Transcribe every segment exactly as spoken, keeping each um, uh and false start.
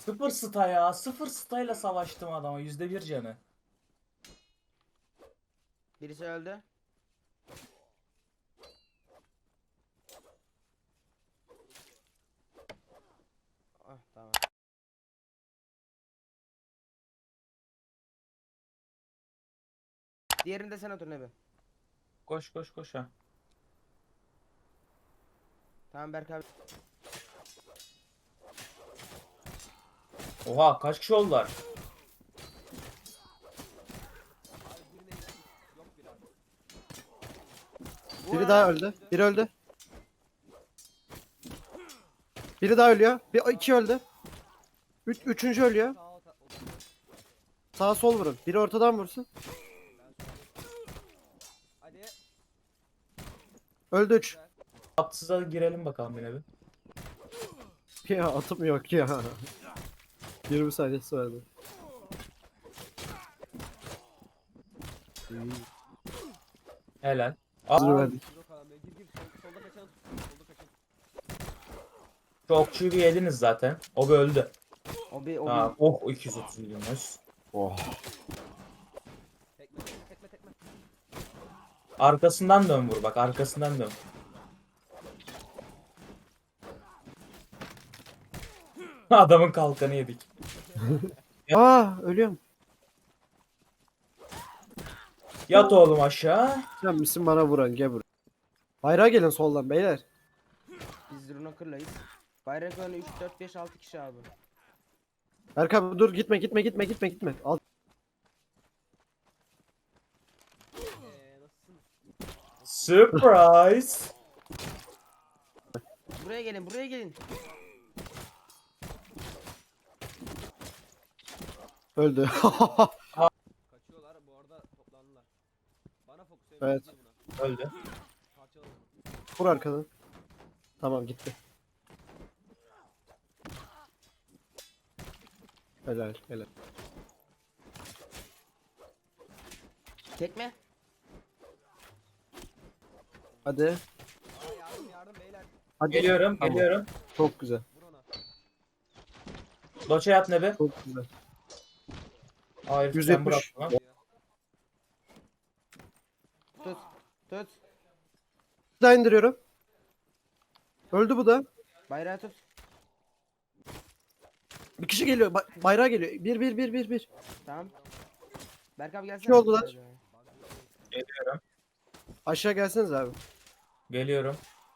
Sıfır sta ya. Sıfır stayla savaştım adama. Yüzde bir canı. Birisi öldü. Ah tamam. Diğerini de sen otur Nebi. Koş koş koş ha. Tamam Berk abi. Oha kaç kişi oldular? Biri daha öldü. Biri öldü. Biri daha ölüyor. Bir iki öldü. Üç, üçüncü ölüyor. Sağ sol vurun. Biri ortadan vursun. Hadi. Öldü üç. Atsıza girelim bakalım yine bir. Ya atım yok ya. yirmi saniyesi vardı. Helal. Hazır Aa, verdik. Solda kaçan. Solda kaçan. çok çivi yediniz zaten. O bir öldü. O bir o Tamam. bir. Oh iki yüz otuz milyonuz. Oh. Tekme tekme tekme. Arkasından dön vur bak. Arkasından dön. Adamın kalkanı yedik. Aa ölüyorum. Yat oğlum aşağı. Sen misin bana vuran gel buraya. Bayrağa gelin soldan beyler. Biz Runocker'layız. Bayrak önü üç dört beş altı kişi abi. Erkan dur gitme gitme gitme gitme gitme. Al. Eee nasılsın? Surprise. Buraya gelin buraya gelin. Öldü. Kaçıyorlar bu arada toplandılar. Bana fokus Evet. buna. Öldü. Parçaladım. Vur arkadan. Tamam gitti. Helal helal. Tekme. Hadi. Aa, yardım yardım beyler. Hadi. Geliyorum. Tamam. Geliyorum. Çok güzel. Vur ona. Doça yat ne be? Çok güzel. Hayır yüz sen yetmiş. bırak lan. Tut. Tut. Bir daha indiriyorum. Öldü bu da. Bayrağı tut. Bir kişi geliyor. Ba- bayrağa geliyor. Bir bir bir bir bir. Tamam. Berk abi gelsene. İki oldular. Geliyorum. Aşağı gelseniz abi. Geliyorum.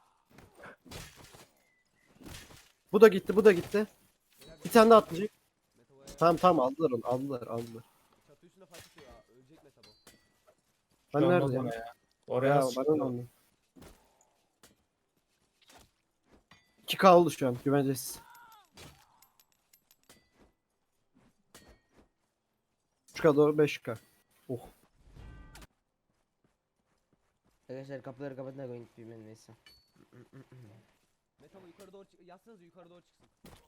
Bu da gitti, bu da gitti. Bir tane daha atlayacak. Tamam tamam aldılar onu, aldılar, aldılar. Çatı üstüne fight atıyor ya. Ölecek Meta bu. Ben Şu olmaz neredeyim? ona ya. Oraya Ya nasıl bana çıktı? ne oldu? iki K oldu şu an, güvencesiz. üç K doğru beş K. Oh. Arkadaşlar kapıları kapatın da koyun bilmem neyse. Meta bu yukarı doğru çık. Yazsanız yukarı doğru çıksın.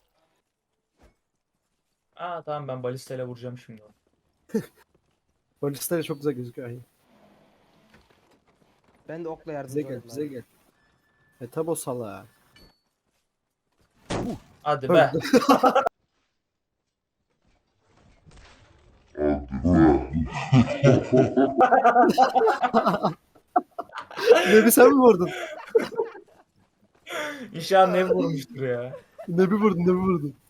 Aa tamam ben balistayla vuracağım şimdi onu. Polisler çok güzel gözüküyor. Ay. Ben de okla Bize yardımcı gel, olayım bize abi. gel. E tabo sala. Hadi be. Öldü. Nebi sen mi vurdun? İnşallah ne vurmuştur ya. Nebi vurdun, Nebi vurdun.